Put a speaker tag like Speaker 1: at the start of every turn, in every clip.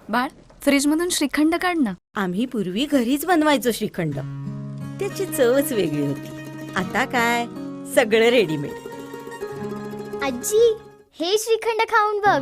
Speaker 1: बाळ, फ्रीज मधून श्रीखंड काढ ना.
Speaker 2: आम्ही पूर्वी घरीच बनवायचो श्रीखंड. त्याची चवच वेगळी होती. आता काय सगळं रेडीमेड.
Speaker 3: आजी, हे श्रीखंड खाऊन बघ.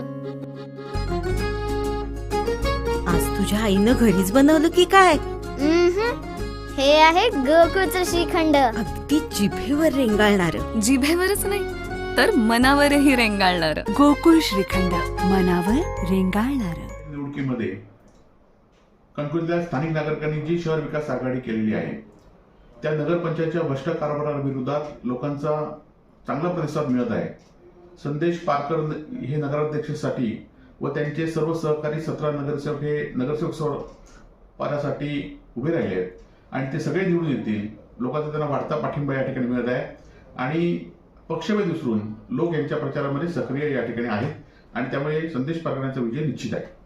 Speaker 2: आज तुझ्या आईनं घरीच बनवलं की काय?
Speaker 3: हे आहे गोकुळचं श्रीखंड.
Speaker 2: अगदी जिभेवर रेंगाळणार.
Speaker 1: जिभेवरच नाही तर मनावरही रेंगाळणार.
Speaker 4: गोकुळ श्रीखंड, मनावर रेंगाळणार.
Speaker 5: निवडणुकीमध्ये कणकवलीतल्या स्थानिक नागरिकांनी जी शहर विकास आघाडी केलेली आहे त्या नगरपंचायतच्या भ्रष्ट कारभाराविरोधात लोकांचा चांगला प्रतिसाद मिळत आहे. संदेश पारकर हे नगराध्यक्षासाठी व त्यांचे सर्व सहकारी 17 नगरसेवक हे नगरसेवक पदासाठी उभे राहिले आहेत आणि ते सगळे निवडून येतील. लोकांचा त्यांना वाढता पाठिंबा या ठिकाणी मिळत आहे आणि पक्षभेद विसरून लोक यांच्या प्रचारामध्ये सक्रिय या ठिकाणी आहेत आणि त्यामुळे संदेश पारकर यांचा विजय निश्चित आहे.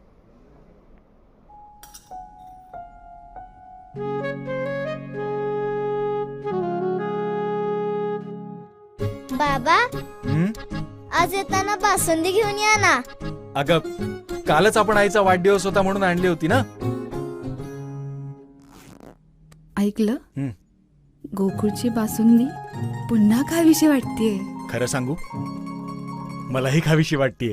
Speaker 3: बाबा, आज येताना बासुंदी घेऊन या ना.
Speaker 6: अगं, कालच आपण आईचा वाढदिवस होता म्हणून आणली होती ना.
Speaker 1: ऐकलं? गोकुळची बासुंदी पुन्हा खावीशी वाटतेय.
Speaker 6: खरं सांगू, मलाही खावीशी वाटतीये.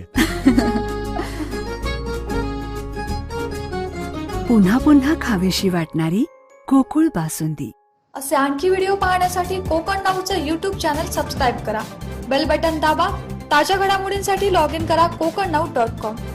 Speaker 4: पुन्हा पुन्हा खावीशी वाटणारी गोकुळ बासुंदी.
Speaker 7: असे आणखी व्हिडिओ पाहण्यासाठी कोकण नाऊचं यूट्यूब चॅनल सबस्क्राईब करा. बेल बटन दाबा. ताज्या घडामोडींसाठी लॉग इन करा kokarnau.com.